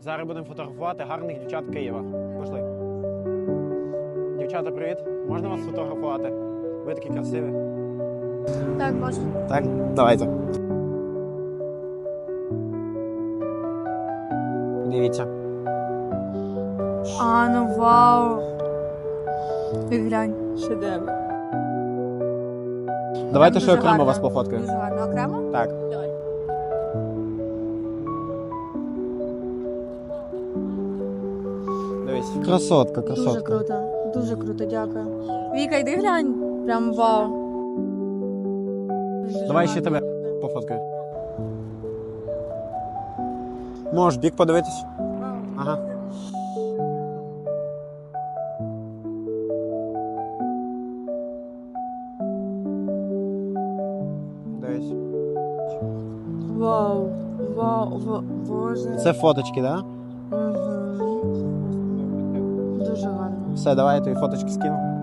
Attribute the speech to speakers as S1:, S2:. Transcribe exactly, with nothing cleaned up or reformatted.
S1: Зараз будемо фотографувати гарних дівчат Києва. Пішли. Дівчата, привіт. Можна вас фотографувати? Ви такі красиві.
S2: Так, можна.
S1: Так? Давайте. Дивіться.
S2: А, ну вау. Ти глянь.
S3: Шедевр.
S1: Давайте ще
S2: дуже
S1: окремо
S2: гарно.
S1: вас пофоткаю.
S2: Дуже гарно. Окремо?
S1: Так.
S2: Давай.
S1: Дивись. Красотка, красотка.
S2: Дуже круто. Дуже круто, дякую. Віка, йди глянь. Прям вау. Дуже
S1: Давай
S2: гарно.
S1: ще тебе пофоткаю. Можеш бік подивитись? Ага. Дивись.
S3: Вау. Вау. Ва- Боже.
S1: Це фоточки, так? Да?
S3: Угу. Дуже гарно.
S1: Все, давай я тобі фоточки скину.